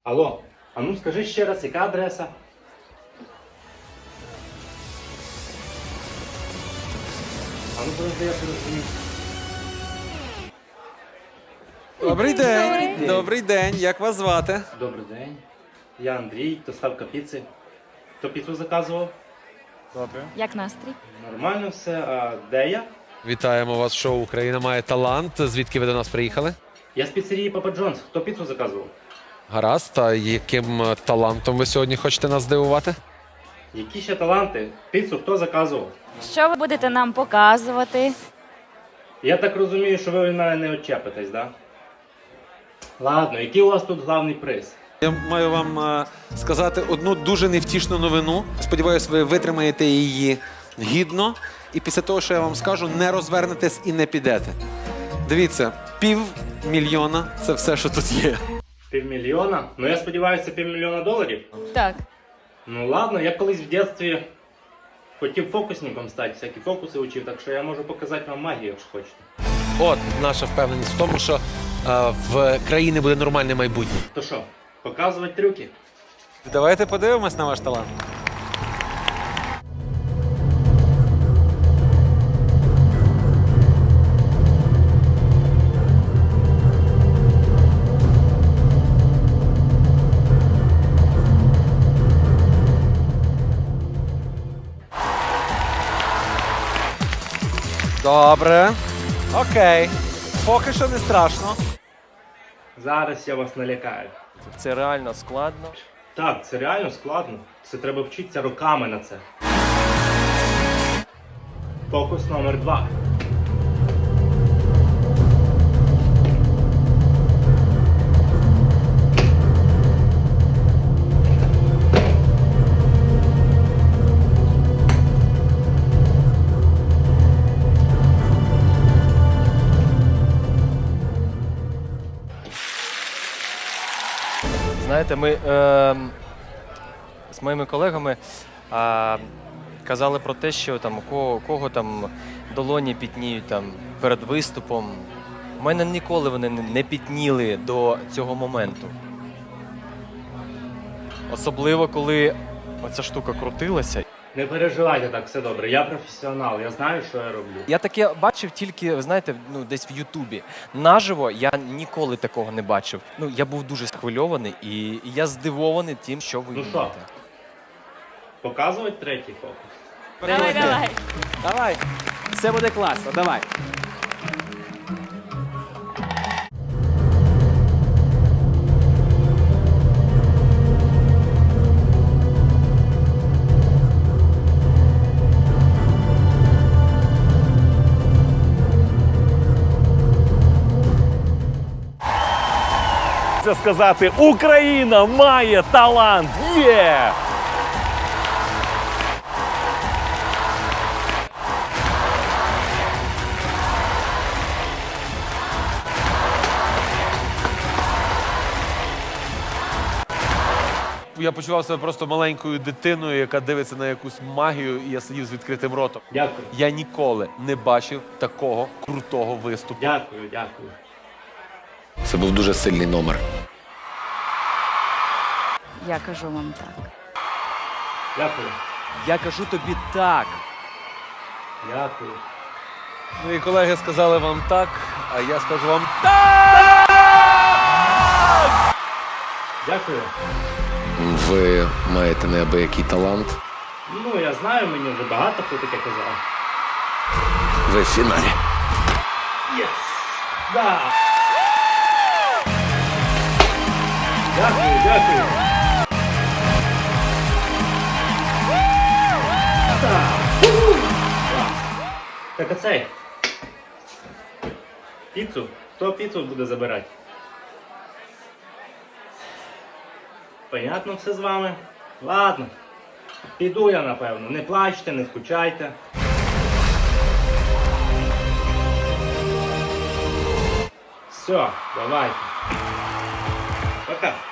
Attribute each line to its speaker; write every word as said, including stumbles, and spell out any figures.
Speaker 1: Алло, а ну скажи ще раз, яка адреса? А ну подожди, я розумію.
Speaker 2: Добрий день.
Speaker 1: Добрий день.
Speaker 2: Добрий день. Як вас звати?
Speaker 1: Добрий день. Я Андрій, доставка піци. Хто піцу заказував?
Speaker 2: Добре.
Speaker 3: Як настрій?
Speaker 1: Нормально все. А де я?
Speaker 2: Вітаємо вас в шоу «Україна має талант». Звідки ви до нас приїхали?
Speaker 1: Я з піцерії Папа Джонс. Хто піцу заказував?
Speaker 2: Гаразд. А яким е, талантом ви сьогодні хочете нас здивувати?
Speaker 1: Які ще таланти? Піцу хто заказував?
Speaker 3: Що ви будете нам показувати?
Speaker 1: Я так розумію, що ви від мене не очепитесь, да? Ладно, який у вас тут главний приз?
Speaker 2: Я маю вам е, сказати одну дуже невтішну новину. Сподіваюсь, ви витримаєте її гідно. І після того, що я вам скажу, не розвернетесь і не підете. Дивіться, півмільйона – це все, що тут є.
Speaker 1: Півмільйона? Ну я сподіваюся, це півмільйона доларів.
Speaker 3: Так.
Speaker 1: Ну ладно, я колись в дитинстві хотів фокусником стати, всякі фокуси учив, так що я можу показати вам магію, якщо хочете.
Speaker 2: От наша впевненість в тому, що е, в країні буде нормальне майбутнє.
Speaker 1: То що, показувати трюки?
Speaker 2: Давайте подивимось на ваш талант. Добре. Окей. Поки що не страшно.
Speaker 1: Зараз я вас налякаю.
Speaker 4: Це реально складно.
Speaker 1: Так, це реально складно. Це треба вчитися роками на це. Фокус номер два.
Speaker 4: Знаєте, ми е, з моїми колегами е, казали про те, що там у кого, у кого там долоні пітніють там перед виступом. У мене ніколи вони не- не пітніли до цього моменту. Особливо, коли оця штука крутилася.
Speaker 1: Не переживайте так, все добре. Я професіонал, я знаю, що я роблю.
Speaker 4: Я таке бачив тільки, ви знаєте, ну десь в Ютубі. Наживо я ніколи такого не бачив. Ну, я був дуже схвильований і, і я здивований тим, що ви
Speaker 1: Ну
Speaker 4: вмієте.
Speaker 1: що? Показувати третій фокус.
Speaker 3: Давай, давай.
Speaker 5: Давай, все буде класно, давай.
Speaker 6: Це сказати, Україна має талант! Є!
Speaker 2: Я почував себе просто маленькою дитиною, яка дивиться на якусь магію, і я сидів з відкритим ротом.
Speaker 1: Дякую.
Speaker 2: Я ніколи не бачив такого крутого виступу.
Speaker 1: Дякую, дякую.
Speaker 2: Це був дуже сильний номер.
Speaker 3: Я кажу вам так.
Speaker 1: Дякую.
Speaker 5: Я кажу тобі так.
Speaker 1: Дякую.
Speaker 2: Мої колеги сказали вам так, а я скажу вам
Speaker 1: Дякую.
Speaker 2: ви маєте неабиякий талант.
Speaker 1: Ну, я знаю, мені вже багато хто таке казав.
Speaker 2: Ви в фіналі.
Speaker 1: Єс! Да! Дякую, дякую. Так. Уху. Клас. Так оцей. Піцу. Хто піцу буде забирати? Понятно все з вами? Ладно. Піду я, напевно. Не плачте, не скучайте. Все, давайте. Пока.